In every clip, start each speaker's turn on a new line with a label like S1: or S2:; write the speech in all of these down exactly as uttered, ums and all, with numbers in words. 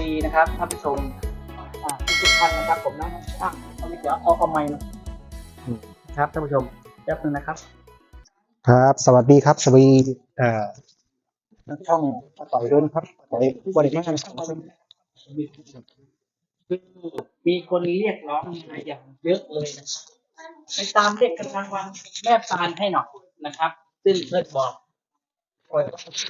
S1: ดีนะครับท่านผู้ชมทุกท่านนะครับผมนะช่างเอาเดี๋ยวเอาเอาไมค์นะครับท่านผู้ชมแป๊บนึงนะครับ
S2: ครับสวัสดีครับสวัสดีเอ่อช่องต่อยด้วยนะครับต่อยบริการ
S1: คือมีคนเรียกร้องมาอย่างเยอะเลยนะครับไปตามเรียกกันรางวัลแม่ปานให้หน่อยนะครับซึ่งเพื่อนบอกปล่อย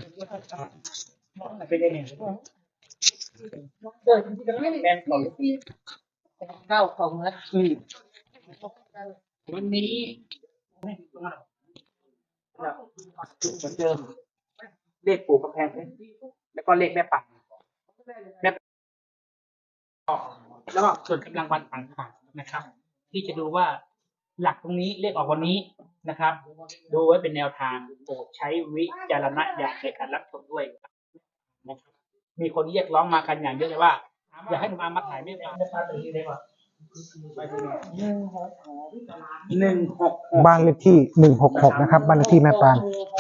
S1: ไปได้เนี่ยเดินที่กันไม่แมนของที่เก้าของนะอืมวันนี้เหมือนเดิมเลขปู่กำแพงเพชรแล้วก็เลขแม่ปังแม่แล้วก็ส่วนกำลังวันต่างๆนะครับ ที่จะดูว่าหลักตรงนี้เลขออกวันนี้นะครับ ดูไว้เป็นแนวทางโปรดใช้วิจารณญาณในการรับชมด้วยนะครับมีคนเรียกร้องมากันอย่างเยอะเลยว่าอยากให้หนุ่มอามาถ่ายไม่ได้ไม่ได้ตัวนี้ได้ป่ะหนึ่งหก
S2: บ้านเลขที่หนึ่งหกหกนะครับบ้านเลขที่แม่ปาน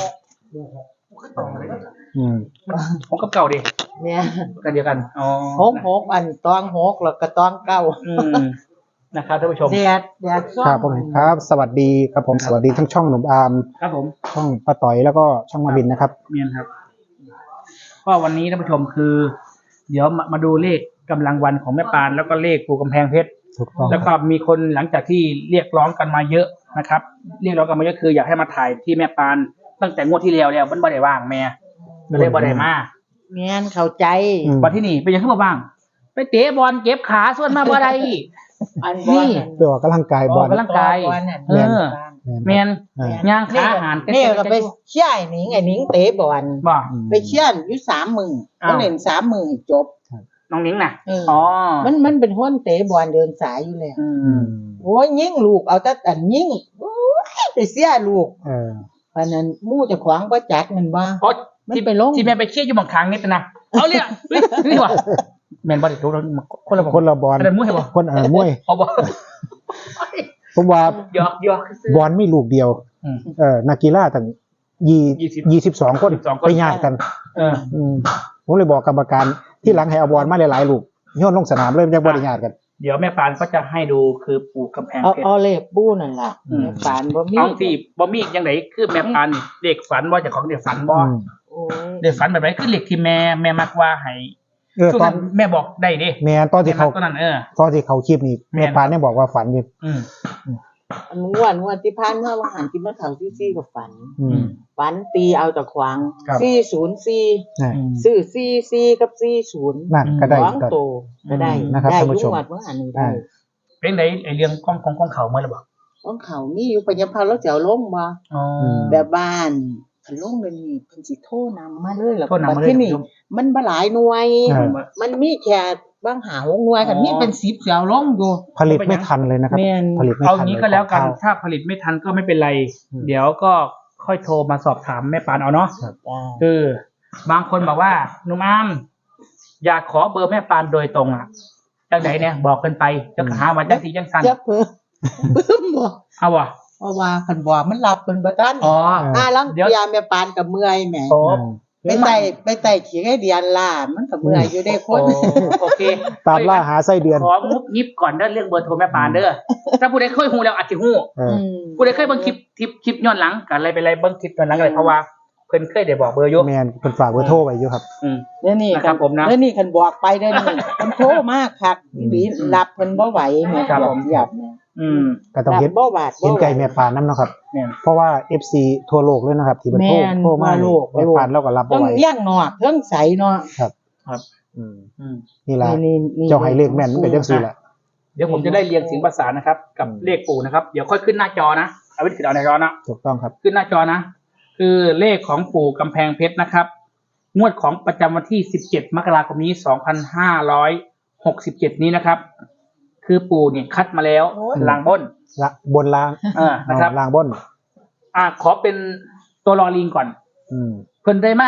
S2: อืม
S1: ผมกับเก่าดิ
S3: เนี่ย
S1: กันเดียวกันอ๋อ
S3: หกหกอันตองหกแล้วก็ตองเก้า
S1: อืมนะครับท่านผู้ชม
S3: แดดแดด
S2: ครับผมครับสวัสดีครับผมสวัสดีทั้งช่องหนุ่มอาร์ม
S1: ครับผม
S2: ช่องป้าต่อยแล้วก็ช่องมาบินนะครับ
S1: เมียนครับก็วันนี้ท่านผู้ชมคือ เดี๋ยวมามาดูเลขกำลังวันของแม่ปานแล้วก็เลขปู่กำแพงเพชรแล้วก็มีคนหลังจากที่เรียกร้องกันมาเยอะนะครับเรียกร้องกันมาเยอะคืออยากให้มาถ่ายที่แม่ปานตั้งแต่งวดที่แล้วแล้วมันบ่ได้ว่างแม่ก็เลยบ่ได้มา
S3: เมียนเข้าใจ
S1: วันที่นี่เป็นยังไงบ้างไปเตะบอลเก็บขาส่วนมาบ่ได้
S3: นี่
S2: ไปออกกำลังกายบอล
S1: ออกกำลังกายเออแมนย่างขาอาหาร
S3: นี่ก็ไปเชี่ยไอ้หนิงไอ้หนิงเตะบอลไปเชี่ยอยู่สามมือเขาเล่นสามมือจบ
S1: น้องนิ้งน่ะอ๋อ
S3: มันมันเป็นห้นเตะบอลเดินสายอยู่เลยโอ้ยยิ่งลูกเอาแต่อันยิ่งไปเชี่ยลูกเพราะนั้นมู่จะขวางประจักมันว่า
S1: ที่ไปลงที่แม่ไปเชี่ยอยู่บางครั้งนิดนะเอาเลยนี่ว่ะแมนบอลอีกทุกคนละ
S2: คนละบอล
S1: คนละมวยบ่
S2: คนอ่ามวย
S1: เอาบ่
S2: ผมว่า
S1: หยอกหยอก
S2: บอลไม่ลูกเดียวเออนักกีฬาตั้งยี่ยี่สิบสองคนไปญาติกัน
S1: เออ
S2: ผมเลยบอกกรรมการที่หลังให้เอาบอลมาหลายๆลูกโยนลงสนามเลยยังบริญาตกัน
S1: เดี๋ยวแม่ปานก็จะให้ดูคือปู่กำแพงเพชร
S3: เอาเลขปู้นั่นแหละแม่ปานบ่มี
S1: เอาสิบ่มียังไงคือแม่ปานเด็กฝันว่าจะของเด็กฝันบ่เด็กฝันแบบไหนคือเลขที่แม่แม่มักว่าให้
S2: เออตอน
S1: แม่บอกได้ดิ
S2: แม่ตอนที่เขา
S1: ตอนนั้นเออ
S2: ตอนที่เขาคลิปนี้แม่ปานเนี่ยบอกว่าฝันอยู่
S1: อืม
S3: อันงวดงวดที่ผ่านมาว่าหันที่มาเขาซี่ๆกับฝันฝันตีเอาแต่ขวางสี่ศูนย์สี่ซื้อสี่สี่กับสี่ศูนย์
S2: นั่นก็ได้
S3: โตก็ได้
S2: นะครับท่านผู้ชม
S3: ได้งวดว่าหันนี้ได้
S1: เป็นไดไอ้เรื่องกล้องของกล้องเขาเมื่อหรือเปล่าก
S3: ล้องเขามีอยู่ปัญญาพาแล้วจะเอาลงมาแบบบ้านคันลงเลยนี่เพิ่นสิโทรนำมาเลยแล้วบัดที่นี่มันบ่หลายหน่วยมันมีแค่บางหาหกหน่วยคันมีเป็นสิบสิเอาลงอยู่
S2: ผลิตไม่ทันเลยนะครับ
S1: ผลิตไม่ทันเอางี้ก็แล้วกันถ้าผลิตไม่ทันก็ไม่เป็นไรเดี๋ยวก็ค่อยโทรมาสอบถามแม่ปานเอาเนาะคือบางคนบอกว่าหนุ่มอามอยากขอเบอร์แม่ปานโดยตรงอ่ะจังไหนเนี่ยบอกกันไปจะหามาจังสีจังสัน
S3: จะเพิ่มเพิ่มบ่
S1: เอาวะ
S3: เพราะว่าคันบ่มันหลับเป็นบ่ทัน
S1: อ๋อ
S3: อ่าลังเดี๋ยวแม่ปานก็เมื่อยแหมไปไต่ไปไต่ขี้ไก่เดือนล่ะมันก็เมื่อยอยู่ได้คน
S1: โอเค
S2: ตามล่าหาไส้เดือน
S1: ขอมุกยิบก่อนเด้อเรื่องเบอร์โทรแม่ปานเด้อถ้าผู้ใดเคยฮู้แล้วอาจสิฮู้ผู้ใดเคยเบิ่งคลิปคลิปคลิปย้อนหลังกันอะไรไปอะไรเบิ่งคลิปย้อนหลังอะไรเพราะว่าเพิ่นเคยได้บอกเบอร์อยู่
S2: แม่นเพิ่นฝากเบอร์โทรไว้อยู่ครับ
S1: อืม
S3: เดี๋ยวนี้
S1: ครับผมนะ
S3: เดี๋ยวนี้คันบอกไปเด้อนี่เพิ่นโทรมาคักอีรับเพิ่นบ่ไหวแม่ครับผมอยาก
S1: อืม
S2: ก็ต้องเห็นเห็นใจแม่ปานนำเนาะครับเพราะว่า เอฟ ซี ทั่วโลกเลยนะครับที่เพิ่นโทรโทรมาโลกแม่ปานเราก็รับบ่ไหว
S3: เลี้ยงนอกเทิงใสเนาะ
S2: ครับ
S1: ครับ
S2: อืมนี่ล่ะเจ้าให้เลขแม่นมันก็จังซี่แหละ
S1: เดี๋ยวผมจะได้เรียงเสียงประสานนะครับกับเลขปู่นะครับเดี๋ยวค่อยขึ้นหน้าจอนะเอาไว้ขึ้นเอาในจอนะ
S2: ถูกต้องครับ
S1: ขึ้นหน้าจอนะคือเลขของปู่กำแพงเพชรนะครับงวดของประจำวันที่สิบเจ็ดมกราคมนี้สองพันห้าร้อยหกสิบเจ็ดนี้นะครับคือปู่เนี่ยคัดมาแล้วล่างบน
S2: ละบนล่าง
S1: เออนะครับ
S2: ล่างบน
S1: อ่าขอเป็นตัวรอลิงก่อน
S2: อืม
S1: เพิ่นได้มา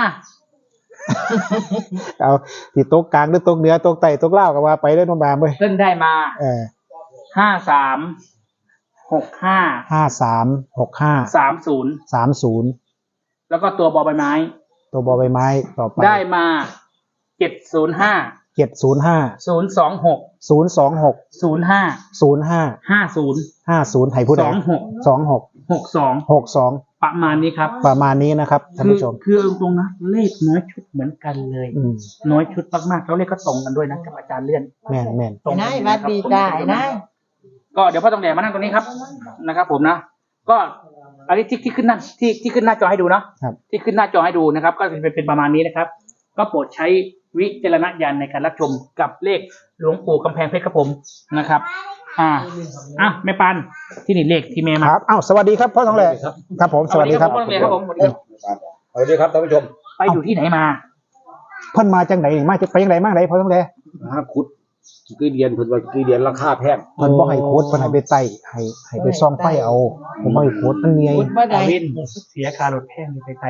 S2: เอาที่โต๊ะกลางหรือโต๊ะเหนือโต๊ะใต้โต๊ะล่างก็ว่าไปได้น้องบามเว้ย
S1: เพิ่นได้มา
S2: เออ
S1: ห้าสามหกห้า
S2: ห้าสามหกห้า
S1: สามศูนย์
S2: สามศูนย์
S1: แล้วก็ตัวบอใบไม้
S2: ตัวบอใบไม้ต่อไป
S1: ได้มาเจ็ดศูนย์ห้า
S2: เจ็ดศูนย์ห้า
S1: ศูนย์สองหก
S2: ศูนย์สองหก
S1: ศูนย์ห้า
S2: ศูนย์ห้า
S1: ห้าศูนย์
S2: ห้าศูนย์ให้ผู้ใด
S1: สองหก
S2: สองหก
S1: หกสอง
S2: หกสอง
S1: ประมาณนี้ครับ
S2: ประมาณนี้นะครับท่าน
S1: คือ
S2: ผู้ชม
S1: คือตรงนะเลขน้อยชุดเหมือนกันเลย
S2: อืม
S1: น้อยชุดมากๆแล้วเลขก็ตรงกันด้วยนะกับอาจารย์เลื่อน
S2: แม่นแม่น
S1: ตรงกั
S3: นาย
S1: เลย
S3: วัด
S1: นะครับ
S3: ดีจ้าไอ้นาย
S1: ก็เดี๋ยวพ่อต้องแดงมานั่งตรงนี้ครับนะครับ ผมนะก็อันนี้ที่ที่ขึ้นหน้าที่ที่ขึ้นหน้าจอให้ดูเนาะ
S2: ครับ
S1: ที่ขึ้นหน้าจอให้ดูนะครับ ก็เป็นเป็นประมาณนี้นะครับ ก็โปรดใช้วิจารณญาณในการรับชมกับเลขหลวงปู่กำแพงเพชรครับผมนะครับ อ่าอ่ะแม่ปันที่นี่เลขที่แม่
S2: ค
S1: มา
S2: รับอ้าวสวัสดีครับพ่อทองแหล่ครับผมสวัสดีครับ
S1: พ่อต้องแดงครับผมสวัสดีครับ
S4: สวัสดีครับท่านผู้ชม
S1: ไปอยู่ที่ไหนมา
S2: เพิ่นมาจังไหนนี่มาจะไปจังไหนมาจังไหนพ่อทองแหล่
S4: นะฮะขุดคือเดียนเพิ่นว่าคือเดียนราคาแพง
S2: เพิ่นบ่ให้โค้ดเพิ่นให้ไปไต่ให้ให้ไปซ่อมไฟเอาผมบ่ให้โค้ดมันเมีย
S3: พุทธบ่ได้
S1: ดาวินเสียคารถแพงเลยไปไกล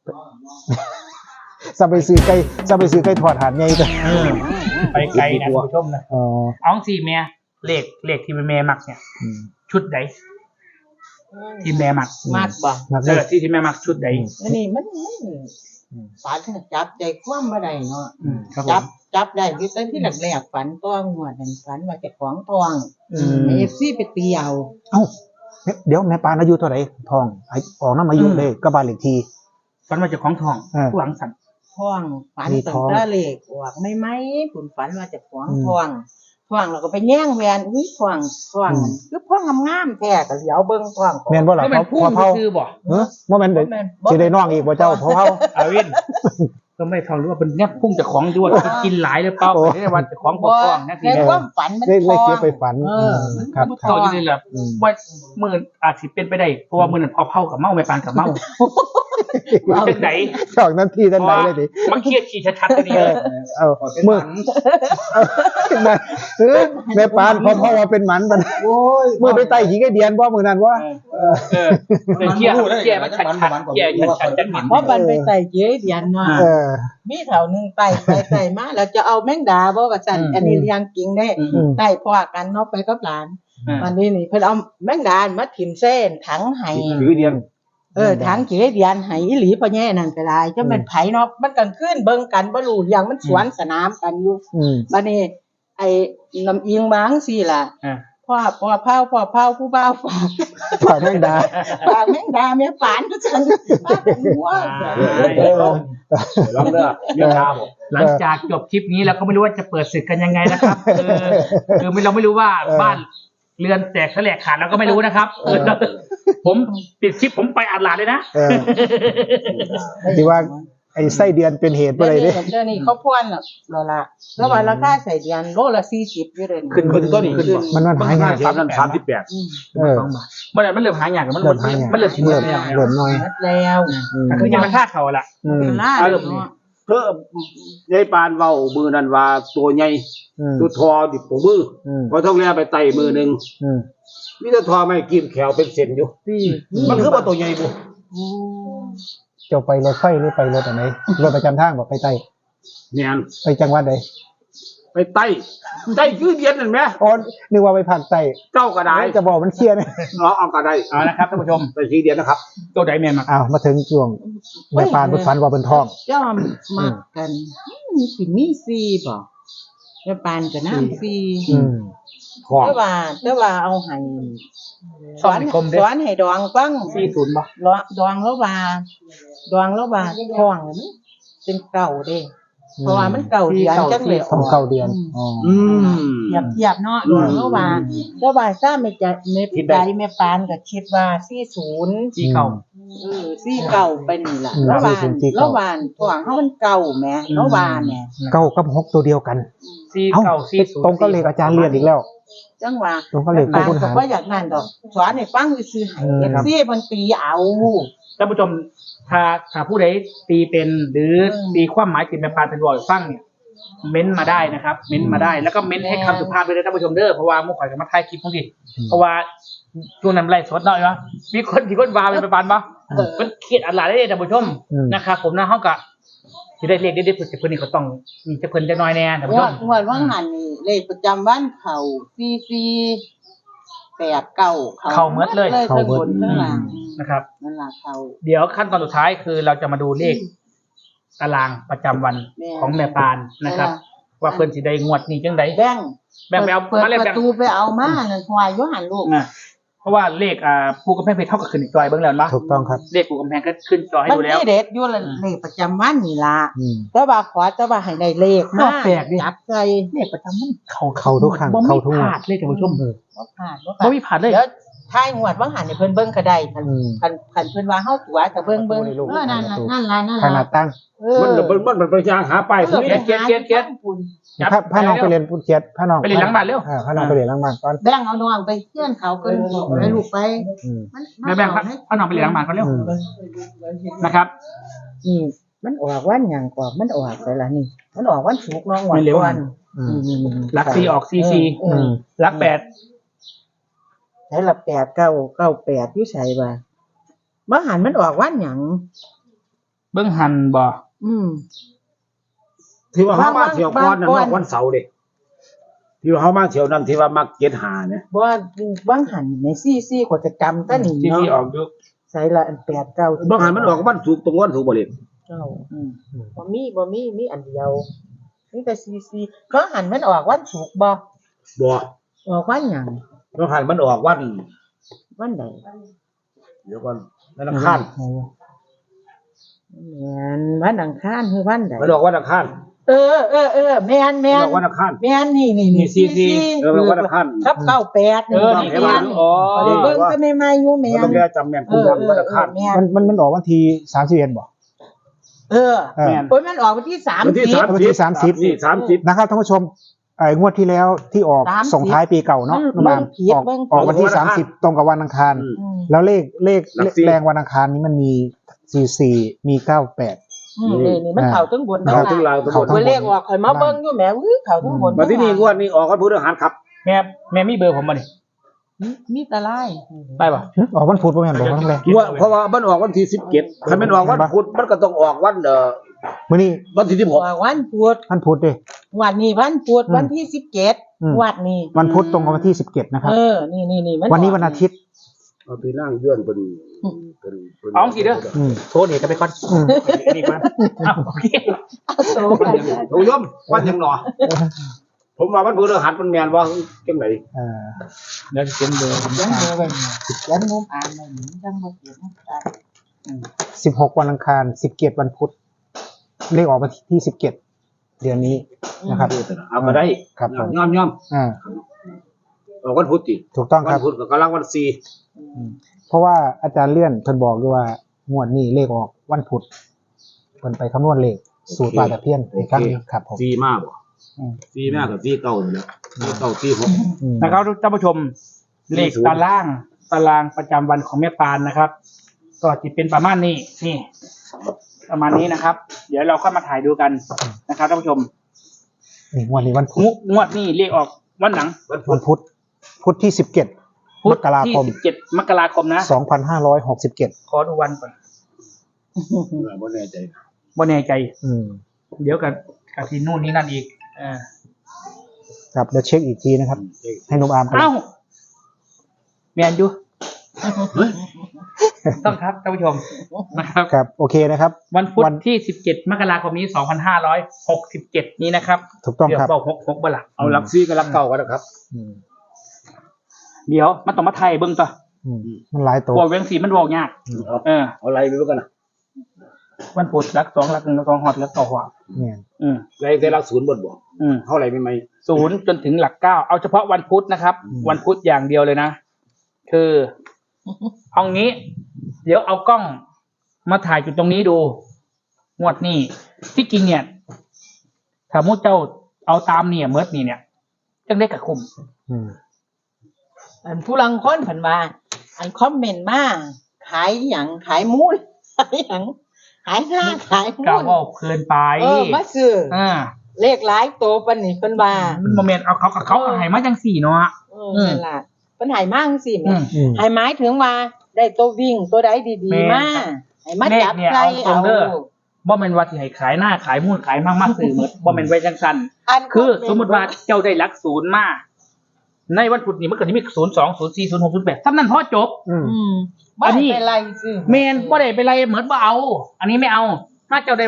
S2: จะไปซื้อไก่จะไปซื้อไก่ทอดหาดใหญ่จ้ะ
S1: เออไปไกลนะคุณผู้ชมนะ
S2: อ๋อ
S1: เอาสี่แม่เลขเลขที่แม่มักเนี่ย
S2: อืม
S1: ชุดใดที่แม่มัก
S3: มากบ่
S2: นัก
S1: เอ
S2: เล
S1: อย ที่ที่แม่มักชุดใด
S3: อันนี้มันมันฝันจับใจความบ่ได้เนาะ
S1: อืมครับผ
S3: จับ
S1: ม
S3: จับได้คือตอนที่แรกๆฝันต้องหัวนั่นฝันว่าเจะของทอง
S1: อืม
S3: เอฟซีไปตีเอา
S2: เอ้าเดี๋ยวแม่ปานอายุเท่าไหร่ทองไอ้ออกน้ำอายุเลยก็บ้านเลขที่
S1: ฝันว่าเจะของทอง
S2: เออ
S1: ผู้หลังสั่น
S3: ทองฝัน
S2: มี
S3: ตั้
S2: ท
S3: ง
S2: อง
S3: แต่เล็กออกไม่ไหมผุนฝันว่าเจะของ
S2: อืม
S3: ทองทองเราก็ไปแย่งแหวนอุ้ยทองทอง
S2: อืม
S3: คือพ่องามๆแท้ก็เหลียวเบิ่งทอง
S2: แม่นบ่ล่ะ
S1: ก็มัน
S2: เขา
S1: พุ่ง
S2: พอเผา
S1: ซื้อบ่
S2: เออบ่แม่นเด้
S3: บ่แม่น
S2: สิได้น้องอีกบ่เจ้าพอเผา
S1: อาวินก็ไม่ทองหรือว่าเป็นเนี่ยพุ่งจากของด้วยกินหลายหรือเปล่า
S2: โอ้
S1: ไม่ได้วันจากของบ่ทองนะที
S3: ใน
S1: นี้
S3: ความฝันมัน
S2: ได้
S3: ท
S2: ได้
S3: อง
S2: เก็บไปฝัน
S3: เออ
S2: มครับ
S3: มัน
S2: ครั
S1: ต่
S2: บ
S1: ออยู่เลยแหละ
S2: อืม
S1: ว่ามื่ออาจสิเป็นไปได้เพราะว่ามื่อนั้นพอเผากับเมาไม่ปานกับเมาเป็นไหน
S2: สองนาทีทันใดเลยดิ
S1: มันเครียดขี่ชัดๆตัวนี้
S2: เอ
S1: เล
S2: อย เอา
S4: เป็น
S2: มือ
S4: หมัน
S2: มาเออแม่ปานพอพ่อว่าเป็นหมันมัน
S4: โอ้ย
S2: มือไปไต่ขี้ไก่เดียนบ่มือนั้นว่า
S1: เออเป็นเครียดเครียดมันชัดๆเครียดชัดๆจังหวะ
S3: เพราะมันไปใส่เจ๊เดียนเนาะ
S2: เออ
S3: มีแถวหนึงไต่ไปไต่มาแล้วจะเอาแมงดาบ่ว่าซั่น
S1: อืม
S3: อันนี้เลี้ยงกิงได้
S1: อืม
S2: อืม
S3: ไต่พอกันเนาะไปกับหลาน
S1: อืม
S3: วันนี้นี่เพิ่นเอาแมงดามาถิ่มเส้นถังไห้
S4: คือเดียน
S3: เออถังเจ๊เดียนไห้อีหลีพ่อแย่นั่นก็ได้จะเป็นไผเนาะมันกลางคืนเบิ่งกันบ่รู้เรื่องมันสวนสนามกันอยู่
S2: อืม
S3: บัดนี้ไอ้น้ำเอียงบางซี่ล่ะ
S1: อ่า
S3: พ่อพ่อเผาพ่อเผาผู้บ่าวฝาก
S2: ฝากแม่งดา
S3: ฝากแมงดาแม่ฝานก็ซั่นมาเป็นหัว
S2: เออ
S4: ลองเด้อเมียชาบอก
S1: หลังจากจบคลิปนี้เราก็ไม่รู้ว่าจะเปิดศึกกันยังไงนะครับคือคือไม่เราไม่รู้ว่าบ้านเรือนแตกแสลกขาดเราก็ไม่รู้นะครับเออผมปิดคลิปผมไปอัดหลานเลยนะ
S2: เออที่ว่าไอ้ไส้เดือนเป็นเหตุบ่
S3: เดี๋ยว
S2: ได้
S3: นี้
S2: เด้
S3: เดี๋ยวนี้เขาพ่วนแล้วแล้วล่ะแล้วว่าราคาใส่เดือนโลละสี่สิบอยู่เลย
S1: ขึ้นขึ้นต้นอีกขึ้น
S2: มันมันหายาก
S4: สามนั้นสามสิบแปด
S3: อืม
S2: เออ
S1: มันมันเริ่มหายากมัน
S2: เริ่มหายาก
S1: มันเริ่มชิน
S2: เริ่ม
S1: แล้ว
S2: เริ่มน้อย
S3: หมดแล้ว
S2: อืม
S1: คือยังมันท่าเขาละ
S2: อืม
S3: ล่า
S1: เอา
S3: เล
S1: เริ่
S3: ย
S1: ม
S3: เนาะ
S4: เพิ่มยายปานเว้ามือนั้นว่าตัวใหญ่
S2: อืม
S4: ตัวทอดิบตัวมือ
S2: อืม
S4: พอต้องแลไปไต่มือหนึง
S2: อืม
S4: มีแต่ทอไม่กินแขวเป็นเส้นอยู่
S3: สี่
S4: มันคือว่าตัวใหญ่บ่
S3: อืม
S2: เจ้าไปรถไฟหรือไปรถอันไหนรถประจำทางบ่ไปไต่
S4: แม่น
S2: ไปจังหวัดใด
S4: ไปไต่ไต่คือเดียนนั่นแหม
S2: อ๋อนึกว่าไปภาคใต้
S4: เจ้าก็ได้
S2: จะบอกมันเครียดนะ
S4: เนาะเอาก็ได้
S1: เอาละครับท่านผู้ชม
S4: ไปคือเดียนนะครับ
S1: ตัวใดแมนมา
S2: อ้าวมาถึงช่วงแม่ปานเพิ่นฝันว่าเพิ่นท้อง
S3: จ้อมมักกันอืมสิมีสี่บ่แม่ปานก็น้ำสี่
S2: อืม
S4: ของ
S3: แต่ว่าแต่ว่าเอาให้ส
S1: ช่อ
S3: อง น
S1: ในกลมเด้
S3: สอนให้ดองฟัง
S1: สี่ศูนย์บ่
S3: ดองดองแล้วว่าดองแล้วว่าท้องนี่มันเป็นเก่าเด้ เพราะว่ามันเก่าเดือนจังเลย
S2: ท้องเก้าเดือนอ๋อ
S4: อืม
S3: เทียบเทียบเนาะดองแล้วว่าแล้วว่าทราบไม่จะเม็ดใจแม่ปานก็คิดว่าสี่สิบ
S1: สี่เก่า
S3: เออซี่เก่าไปนี่ล่ะ
S2: อืม
S3: ระหว่าง
S2: สี่ศูนย์สี่เก้า
S3: ระหว่างตัวเฮามันเก่าแหมระหว่างแหม
S2: เก้ากับหกตัวเดียวกัน
S1: สี่
S2: เอ้า
S1: เก่าสี่ศูนย์
S2: ตรงก็เลขอาจารย์เรียนอีกแล้ว
S3: จังว่า
S2: ตรงก็เลข
S3: ปาน
S2: คุณ
S3: ก็
S2: หาร
S3: บ่อยากนั่นดอกสอนให้ฟังซื่อๆให้
S2: อืม
S3: เอฟซีเพิ่นตีเอา
S1: ท่านผู้ชมถ้าถ้าผู้ใดตีเป็นหรือ
S3: อืม
S1: ตีความหมายติดแมปานเป็นบอยฟังเนี่ยเม้นต์มาได้นะครับ เม้นต์มาได้แล้วก็เม้นต์ให้คำสุภาพไปเลยท่านผู้ชมเด้อเพราะว่ามุ่งข่อยกับมาถ่ายคลิปพวกนี้เพราะว่าช่วงนั้นไล่สดหน่อยวะมีคนมีคนวาเป็นแมปานปะมันเครียดอะไรได้ท่านผู้ชม
S2: อืม
S1: นะครับผมนะเฮากะที่ได้เรียกได้ได้ฝึกแต่เพิ่นนี่เขาต้องมีจะเพิ่นจะน้อยแน่ท่านผู้
S3: ง
S1: ช
S3: ว
S1: ม
S3: ดงวดว่างหันนี่เลขประจำวันเขาสี่สี่แปดเก้า
S1: เข้าเมดเลย
S3: ทั้งบนทั้งล่าง
S1: นะครับ
S3: นั่นล่ะเขา
S1: เดี๋ยวขั้นตอนสุดท้ายคือเราจะมาดูเลขตารางประจำวัน
S3: แม่
S1: ของแม่ปานนะครับว่าเพิ่นสิได้งวดนี้จังได๋
S3: แบ่ง
S1: แบ่งไปเอา
S3: เปิด
S1: มาเลย
S3: ป
S1: แบ่ง
S3: ระตูไปเอามานั่นควายอยู่หันลูก
S1: นะเพราะว่าเลขอ่าปูกำแพงเพชรเท่ากับขึ้นจอยเบิ่งแล้วมั้ย
S2: ถูกต้องครับ
S1: เลขปูกำแพงก็ขึ้นจอให้
S3: มัน
S1: ดูแล้ว
S3: มีเด็ดอยู่ละเลขประจำวันนี่ล่ะ
S2: อืม
S3: แต่ว่าขอแต่ว่าให้ได้เลขมา
S1: แปลกดิ
S3: จับใส่
S1: เลขประจำมันเข้า
S2: เข้าทุกครั้ง
S1: บ่มี
S2: เข้าทุกงวด
S1: พลาดเลยท่านผู้ชม
S2: เออ
S3: บ่ผ่านบ่
S1: บ่
S3: ผ่าน
S1: มีพลาดเลย
S3: เดี๋ยวท้ายงวดว่าหันให้เพิ่นเบิ่งก็ได้คัน
S2: อืม
S3: คันคันเพิ่นว่าเฮาตัวแต่เบิ่งเบิ่งเออนั่นล่ะนั่นล่ะนั่น
S2: ขนา
S3: ล่ะ
S2: ดตั้ง
S3: เออ
S4: มันมันมันมันไปย่างหาป้าย
S3: เอ
S4: คือ
S3: อ
S4: นี่
S1: เกียรติเกียรติเกียรติ จับ
S2: พาพาน้องไปเรียนพูดเกียรติพาน้อง
S1: ไปเรียนหลังบ้านเร็ว
S2: อ่าพาน้องไปเรียนหลังบ้านก่อน
S3: แบ่งเอาน้องไปเพื่อนเขาเพิ่นบอกให้ลูกไป
S2: อืม
S3: มัน
S1: แม่แบ่งครับเอาน้องไปเรียนหลังบ้านก่อนเร็ว
S2: อืม
S1: นะครับ
S3: นี่มันออกวันหยังก่อนมันออกไปละนี่ มันออกวันศุกร์น้องวัน
S1: ไม่เร็ว
S3: วัน
S2: อืม
S3: นี่ๆๆ
S1: หลักสี่ออกซีซี
S3: เอ
S2: อื
S3: อ
S2: ม
S1: หลักแปด
S3: ใช้ละแปดเก้าเก้าแปดอยู่ไสบ่บ่หันมันออกวันหยัง
S1: เบิ่งหันบ่
S3: อืม
S4: ที่ว่าเฮามาเที่ยวก่อนนั่น
S3: บางวัน
S4: วันเสาร์เด้ที่ว่าเฮามาเที่ยวนั้นที่ว่ามักเจ็ดหาเนี่ย
S3: บ่บางหันในซี่ซี่กว่าจะจำซะนี่
S1: ซีซี
S3: เนาะ
S1: ออกอยู่
S3: ใส่ละอันแปดเก้า
S4: บางหันมันออกวันศุกร์ตรงวันศุกร์บ่เล่น
S3: เก้าอืมบ่มีบ่มีมีอันเดียวมีแต่ซี่ซี่บางหันมันออกวันศุกร์บ่
S4: บ่
S3: ออกวันหยัง
S4: บางหันมันออกวัน
S3: วันใด
S4: เดี๋ยวก่อนวันอังคาร
S3: แม่นวันอังคารคือวันใด
S4: มันออกวันอังคาร
S3: เออเออเออแม่น
S4: มัน
S3: แม่
S4: อน อกวันอังคาร
S3: แม่นนี่นี่
S1: นี่ซีซี
S4: เออมันวันอังคาร
S3: ครับเก้าแปด
S1: เออนี่
S3: แม่
S1: เห็นว่าน อ๋อ
S3: เดี๋ยวเบิ่งก็ไม่มาอยู่แม่
S4: มันต้อน งแก้จำแม่น
S3: เอ
S4: คุณ
S3: อเอ
S4: ทำวัน
S3: อ
S4: อังคาร
S3: แม่น
S2: มันมันมันออกวันที่สามสิบเอ็ดบ่
S3: เออ
S2: เออ
S1: แม่น
S3: โอ้ยมันออกวันที่สาม
S4: วันที่
S3: สิบ
S4: สาม
S2: วันที่สามสิบ
S4: นี่สามสิบ
S2: นะครับท่านผู้ชมไอ้งวดที่แล้วที่ออก
S3: สามสิบ
S2: ส่งท้ายปีเก่าเนาะ
S3: มัน
S2: น้องบาม
S3: เบิ่งผิด
S2: ออก
S3: เบิ่ง
S2: ออกวันที่
S4: วันอั
S2: สาง ม
S4: คาร
S2: สิบตรงกับวันอังคาร
S4: อืม
S3: อืม
S2: แล้วเลขเลข
S4: หลักสี่
S2: แรงวันอังคารนี้มันมีสี่สี่มีเก้าแปด
S3: อืมนี่นี่มันเข้าทั้งบน
S4: เข้าทั้ง
S3: ล่าง
S4: ลาวทั้งบน
S2: เข้าทั้ง
S3: วันเลขออกข่อยมาเบิ่งอยู่แหมอุ้ยเข้าทั้งบน
S4: มาที่นี่งวดนี้ออกวันพฤหัสครับ
S1: แม่แม่มีเบอร์ผมบ่นี่
S3: มีมีแตะไลาย
S1: ได้ป่ะ
S2: หึออกวันพุธบ่แม่นบ่วันแรก
S4: งวดเพราะว่ามันออกวันที่สิบเจ็ดถ้ามันออกวันพุธมันก็ต้องออกวันเอ่อ
S2: มื้อนี้
S4: วันที่สิบห
S3: อก อกวันพุธ
S2: วันพุธเด้
S3: วันนี้วันพุธ
S2: อืม
S3: วันที่สิบเจ็ด
S2: อืม
S3: วันนี้
S2: วันพุธตรงกับวันที่สิบเจ็ดนะครับ
S3: เออนี่นี่นี่มั
S2: วันนี้วันอาทิตย์
S4: เอาไปนั่งเยื่อนเป็นเป็นเป็น
S1: เอาสิเด้อ
S2: อืม
S1: โทษนี่ก็ไปก่อน
S2: อืม
S1: นี่ก่อนอ้าวโอเค
S3: เอาโซ่กัน
S4: ท่านผู้ชมวันยังหนอผมว่าวันพฤหัสมันแม่นว่าจังได
S2: เออ
S1: เดี๋ยวจะเขียนเบอร์ผม
S3: ยังเบอร์ไว้ยังมุมอ่านไว้นี่ยังบ่เขียนได้
S2: สิบหกวันอังคารสิบเจ็ดวันพุธเลขออกวันที่สิบเจ็ดเดือนนี้นะครับ
S4: เอามาได้
S2: ครับผม
S4: ย่อมย่อม
S2: อ่า
S4: ออกวันพุธติ
S2: ถูกต้อง
S4: วั
S2: ครั
S4: น
S2: บ
S4: พุธก็กำลังวันสี่
S2: เพราะว่าอาจารย์เลื่อนเพิ่นบอกด้วยว่างวดนี้เลขออกวันพุธเพิ่นไปคำนวณเลขสูตรปลาตะเพียนอีกครั้งหนึ่งครับผม
S4: สี่มากบ่
S2: อืม
S4: สี่มากกับสี่เก้านี่แหละสี่เก้าสี่หก
S2: อืม
S1: นะครับท่านผู้ชมเลขตารางตารางประจำวันของแม่ปานนะครับ ก็จะเป็นประมาณนี้นี่ ประมาณนี้นะครับ เดี๋ยวเราค่อยมาถ่ายดูกันนะครับท่านผู้ชม
S2: นี่งวดนี้วันพุ
S1: ง
S2: ธ
S1: วดงวดนี่เลขออกวันหนัง
S4: วันพุ
S2: วั
S4: ธ
S2: นพุธพุธที่สิบเจ็ด
S1: พุ
S2: ม
S1: ธ
S2: กรา
S1: ที่
S2: คม
S1: สิบเจ็ดมกราคมนะ
S2: สองพันห้าร้อยหกสิบเจ็ด
S1: ขอดูวันก่อน
S4: บ่แน่ใจนะ
S1: บ่แน่ใจ
S2: อืม
S1: เดี๋ยวกับกับที่นู่นนี่นั่นอีกอ่า
S2: ครับเดี๋ยวเช็คอีกทีนะครับ ให้นุ่มอามกัน
S1: เอ้าแมนยูต้องครับท่านผู้ชมนะครับ
S2: ครับโอเคนะครับ
S1: วันพุธ
S2: วัน
S1: ที่สิบเจ็ดมกราคมนี้สองพันห้าร้อยหกสิบเจ็ดนี้นะครับ
S2: ถูกต้อง
S1: เดี๋ยว
S2: ครับ
S1: บอกหกหกบ่ละ
S4: เอาหลักสี่กับหลักเก้ากันนะครับ
S2: อืม
S1: เดี๋ยวมันต้องมาไทยเบิ่งต่อ
S2: อืมมันหลายตัว
S1: บอกเวียงสีมันบอกยาก
S4: เอา
S1: เออ
S4: เอาอะไรไปด้วยกันนะ
S1: วันพุธรักสองรักหนึ่งรักสองหอดรักต่อหัว
S2: เนี่ย
S1: อืม
S4: อะไรแต่หลักศูนย์บนบ่
S1: อืม
S4: เท่าไหร่ไม่ไหม
S1: ศูนย์จนถึงหลักเก้าเอาเฉพาะวันพุธนะครับ วันพุธอย่างเดียวเลยนะ คือเอางี้ เดี๋ยวเอากล้องมาถ่ายจุดตรงนี้ดู งวดนี้ที่จริงเนี่ยถ้ามุดเจ้าเอาตามเนี่ยเมิดนี่เนี่ยจังได้กับคุม
S2: อืม
S3: อันผู้ลังคนเพิ่นว่า อันคอมเมนต์มาขายหยังขายมูลขายหยังขายหน้าขายมู
S1: กล่าว
S3: ล
S1: ว่าเพลินไป
S3: เออมาซื้อ
S1: อ่า
S3: เลขหลายโตปานนี้เพิ่นว่า
S1: มันโมเมนต์เอาเขากับเขาเอาให้มาจังสี่เนาะ
S3: เออนั่นล่ะเพิ่นให้มาจังซี่แห
S1: อื
S3: ม่
S1: ม
S2: อืม
S3: ให้หมายถึงว่าได้ตัววิ่งตัวใดดี
S1: แม่น
S3: ๆมาให้มาจับ
S1: เลขเนี่ย
S3: ใส่
S1: เอาตร
S3: เอา
S1: งเด้อ บ่แม่นว่าสิให้ขายหน้าขายมูลขายมากมากสื่อหมดบ่แม่นไว้จังซั่น
S3: อัน
S1: คือสมมุติว่าเจ้าได้หลักศูนย์มาในวันพุธนี้มันก็สิมีศูนย์ สอง ศูนย์ สี่ ศูนย์ หก ศูนย์ แปดซ้ำนั้นพอจบ
S2: อืม
S3: อืมบ่
S1: อันนี้
S3: ได้เป็นไรซื้อ
S1: แม่นบ่ได้ไปไรเหมือนบ่เอา อันนี้ไม่เอา ถ้าเจ้าได้ว่า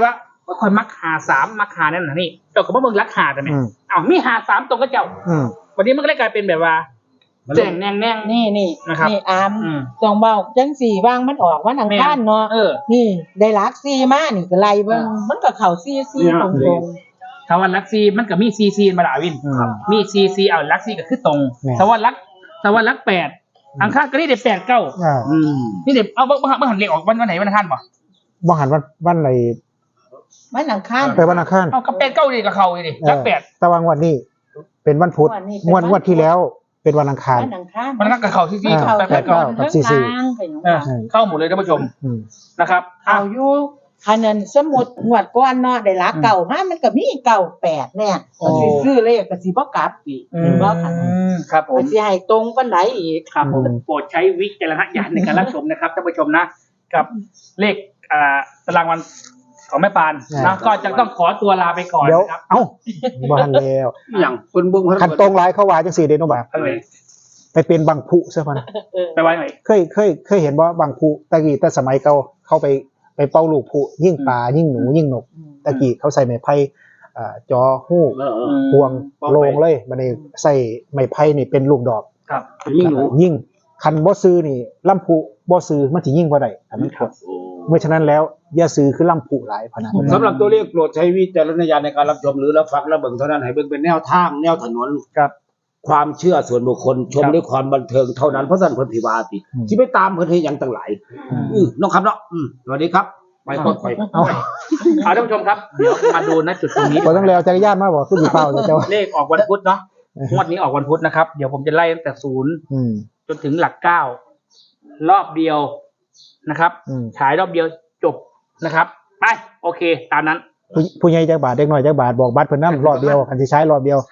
S1: ว่าคอยมักหาสามมักหานั่นน่ะนี่เจ้าก็บ่เบิ่งรักหาแต่แม่
S2: อืม
S1: อ้าวมีหาสามตรงกับเจ้า
S2: อืม
S1: วันนี้มันก็เลยกลายเป็นแบบว่าแจ้งแน่งแน่ง
S3: นี่นี่
S1: นะครับ
S3: นี่อาม
S1: อืม
S3: สองเบาจังสี่ว่างมันออกวันอังคารเนาะ
S1: เออ
S3: นี่ได้ลักซี่มานี่ก็ไล่เบิ่งมันก็เข้าซี่ซี่ตรงๆ
S1: ถ้าว่าลักซีมันก็มีซีซีมาดาวิน
S2: อืม
S1: มีซีซีเอาลักซีก็คือตรง
S2: แม่
S1: ถ้าว่าลักถ้าว่าลักแปดอังคารก็นี่ได้แปดเก้า
S2: อ่า
S4: อืม
S1: นี่เด็เอาเมื่อเมื่อหันเลขออกวันวันไหนวันอังคารป่ะ
S2: บ่หันวันวันไหน
S3: วันอังคาร
S2: ไปวันอังคาร
S1: เอากับแปดเก้าดีกับเขาดิ
S2: เออ
S1: ลักแปด
S2: แต่ว่างวดนี้เป็นวันพุธ
S3: งวดนี้เป็น
S2: ง
S3: วั
S2: วด
S3: น
S2: งวดที่แล้วเป็นวันอังคาร
S3: วันอังคาร
S1: มันก็กับเขาซีซี
S2: อ่า
S1: กับแปดเก้า
S2: กับซี่ซี่
S1: เออเข้าหมดเลยท่านผู้ชม
S2: อืม
S1: นะครับ
S3: เอาอยู่คันนั้นสมมุติงวดก่อนเนาะได้ลักเก่ามามันก็มีเก่าแปดเนี่ยก็สิซื้อเลขก็สิบ่กลับอีก
S1: อื
S3: เห็นบ่คันนั้น
S1: มครับผม
S3: มันสิให้ตรงปานใดอีก
S1: ครับผม
S2: อืม
S1: โปรดใช้วิจารณญาณในการรับชมนะครับท่านผู้ชมนะ กับเลขอ่าตารางวันของแม่ปานนะก็จะต้องขอตัวลาไปก่อน
S2: เดี๋ยว
S1: นะครับ
S2: เอ้าบ่หันแล้ว
S4: อย่างเพิ่นเบิ่ง
S2: คันตรงหลายเขาว่าจังซี่เด้เนาะบ่า
S1: เอาเลย
S2: ไปเป็นบางผู้ซะพะนะ
S1: ไปไว้หน่อย
S2: เคยเคยเคยเห็นว่าบางผู้ตะกี้แต่สมัยเก่าเข้าไปไปเป้าลูกผู้ยิ่งปลายิ่งหนูยิ่งนกตะกี้เขาใส่ไม้ไผ่อ่าจอฮู้
S4: เออเออ
S2: พวงโลงเลยบัดนี้ใส่ไม้ไผ่นี่เป็นลูกดอก
S1: ครับ
S4: ยิ่งหนู
S2: ยิ่งคันบ่ซื้อนี่ลำผู้บ่ซื้อมันสิยิ่งบ่ได้อันนั้นครับเมื่อฉะนั้นแล้วอย่าซื้อคือลำผู้หลายพะนะ
S4: สำหรับตัวเลขโปรดใช้วิจารณญาณในการรับชมหรือรับฟังและเบิ่งเท่านั้นให้เบิ่งเป็นแนวทางแนวถนน
S1: ครับ
S4: ความเชื่อส่วนบุคคลชม
S1: ครับ
S4: ด้วยความบันเทิงเท่านั้นเพราะสั่นเพิ่นพิวาติที่ไปตามเพิ่นเฮ็ดหยังต่างหลายอือน้องครับเนาะอืมสวัสดีครับไปก่อนไป
S2: เอา
S1: เอาท่านผู้ชมครับเดี๋ยวมาดูณจุดตรงนี้
S2: บ่ต้องแล้วจักรยานมาบ่คือสิเป้าเจ้า
S1: เลขออกวันพุธเนาะงวดนี้ออกวันพุธนะครับเดี๋ยวผมจะไล่ตั้งแต่ศูนย์
S2: อืม
S1: จนถึงหลักเก้ารอบเดียวนะครับ
S2: อืม
S1: ฉายรอบเดียวจบนะครับไปโอเค ตามนั้น
S2: ผู้ผู้ใหญ่จักบาทเด็กน้อยจักบาทบอกบัตรเพิ่นนำรอบเดียวคันสิใช้รอบเดียว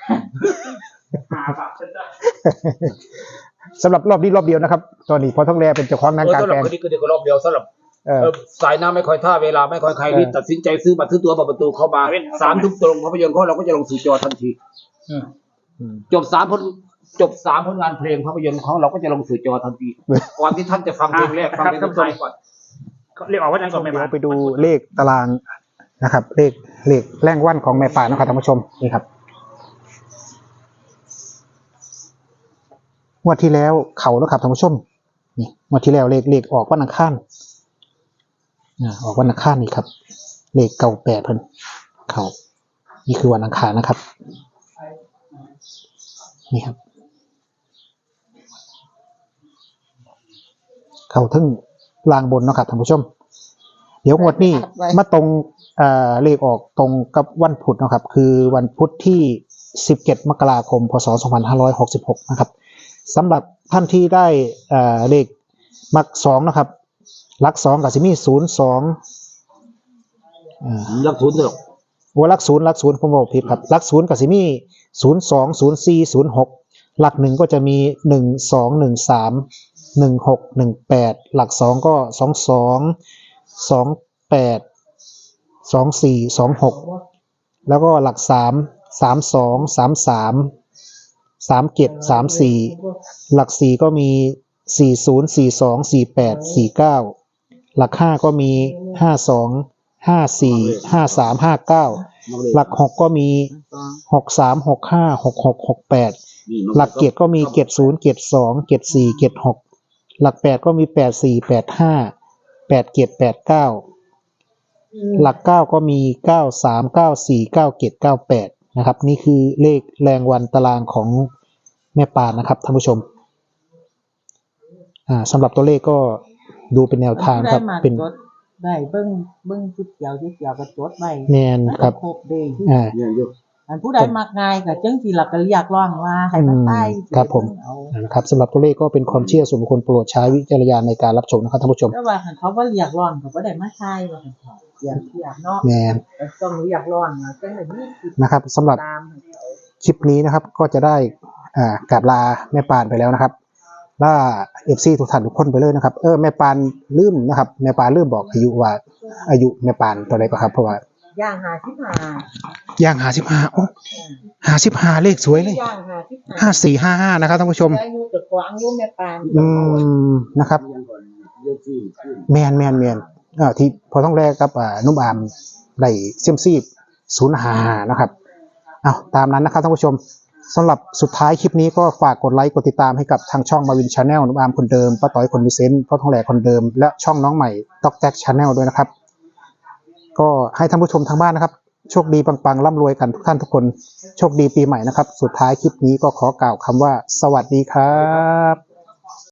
S2: สำหรับรอบนี้รอบเดียวนะครับ ตอนนี้พอท้องแลเป็นเจ้าของงาน
S4: เออก
S2: ลาง
S4: สำหรับ
S2: แปลง
S4: คนนี้ก็เดี๋ยวก็รอบเดียวสำหรับ
S2: เออ
S4: เออสายน้ำไม่ค่อยท่าเวลาไม่ค่อยใครรีบ
S2: เออ
S4: ตัดสินใจซื้อบัตรซื้อตั๋วประตูเข้ามาสามทุ่มตรงภาพยนตร์ของเราก็จะลงสู่จอทันที
S1: อืม
S2: อืม
S4: จบสามผลจบสามผลงานเพลงภาพยนตร์ของเราก็จะลงสู่จอทันทีก่อนที่ท่านจะฟังเพลงแรกฟังเพลงสุดท้ายก่อน
S1: เรียกออกว่านั้นก่อนไหม
S2: เดี๋ยว
S1: บ้าง
S2: ไปดูเลขตารางนะครับ เลขเลขแรงวันของแม่ป่านะครับท่านผู้ชมนี่ครับงวดที่แล้วเขาแล้วครับท่านผู้ชมนี่งวดที่แล้วเลขเลขออกวันอังคารอ่าออกวันอังคารนี่ครับ เลขเก่าแปดเพิ่นเขานี่คือวันอังคารนะครับ นี่ครับ เขาทึ่งลางบนเนาะครับท่านผู้ชม เดี๋ยวงวดนี้มาตรงเอ่อเลขออกตรงกับวันพุธเนาะครับ คือวันพุธที่สิบเจ็ดมกราคมพศสองพันห้าร้อยหกสิบหกนะครับสำหรับท่านที่ได้เอ่อเลขมักสองนะครับหลักสองกับซิมีศูนย์สองอ่า
S4: รักทุนเถอะ
S2: โอ้หลักศูนย์หลักศูนย์ผมบอกผิดครับหลักศูนย์กับซิมีศูนย์สองศูนย์สี่ศูนย์หกหลักหนึ่งก็จะมีหนึ่งสองหนึ่งสามหนึ่งหกหนึ่งแปดหลักสองก็สองสองสองแปดสองสี่สองหกแล้วก็หลักสามสามสองสามสามสามเจ็ดสามสี่หลักสี่ก็มีสี่ศูนย์สี่สองสี่แปดสี่เก้าหลักห้าก็มีห้าสองห้าสี่ห้าสามห้าเก้าหลักหกก็มีหกสามหกห้าหกหกหกแปดหลักเกียรติก็มีเกียรติศูนย์เกียรติสองเกียรติสี่เกียรติหกหลักแปดก็มีแปดสี่แปดห้าแปดเกียรติแปดเก้าหลักเก้าก็มีเก้าสามเก้าสี่เก้าเกียรติเก้าแปดนะครับนี่คือเลขแรงวันตารางของแม่ปานนะครับท่านผู้ชมอ่าสำหรับตัวเลขก็ดูเป็นแนวทางครับเป็น
S3: ได้เบิ่งเบิ่งจุดเกี่ยวจุดเกี่ยวก็จดไว้
S2: แมนครับ
S3: ครบเด้
S2: อ่า
S4: เนี่ยอยู่
S3: อันผู้ใดมักง่ายก็จังสิหลักก็เรียกร้องว่าให้มันใต้
S2: ครับผม นะครับสำหรับตัวเลขก็เป็นความเชื่อส่วนบุคคลโปรดใช้วิจารณญาณในการรับชมนะครับท่านผู้ชม
S3: แต่ว่าคันเขาบ่เรียกร้องก็บ่ได้มาใช้ว่าซั่นเถาะเสียงเทียบเนาะ
S2: แมน
S3: แต่ต้องเรียกร้องนะจังได้มีสิทธิ์
S2: นะครับสำหรับ
S3: ตามให้เขา
S2: คลิปนี้นะครับก็จะได้อ่ากราบลาแม่ปานไปแล้วนะครับล่าเอฟซีทุกท่านทุกคนไปเลยนะครับเออแม่ปานลืมนะครับแม่ปานลืมบอกอายุว่าอายุแม่ปานตัวใดก็ครับเพราะว่า
S3: ย่างห้าสิบห้า
S2: ย่างหาสิบห้าโอ้หาสิบห้าเลขสวยเลย
S3: ย่างห้าสิบห้า
S2: ห้าสี่ห้าห้านะครับท่านผู้ชม
S3: อายุจะกว่าอายุแม่ปาน
S2: อืมนะครับแมนแมนแมนอ่าที่พอต้องแรกกับอ่านุ่มอามได้เซียมซี่ศูนย์หานะครับเอาตามนั้นนะครับท่านผู้ชมสำหรับสุดท้ายคลิปนี้ก็ฝากกดไลค์กดติดตามให้กับทางช่องมาวินชาแนลนุ่มอาร์มคนเดิมป้าต้อยคนมีเซนต์พ่อทองแหล่คนเดิมและช่องน้องใหม่ต๊อกแจ็คชาแนลด้วยนะครับก็ให้ท่านผู้ชมทางบ้านนะครับโชคดีปังๆร่ำรวยกันทุกท่านทุกคนโชคดีปีใหม่นะครับสุดท้ายคลิปนี้ก็ขอกล่าวคำว่าสวัสดีครับ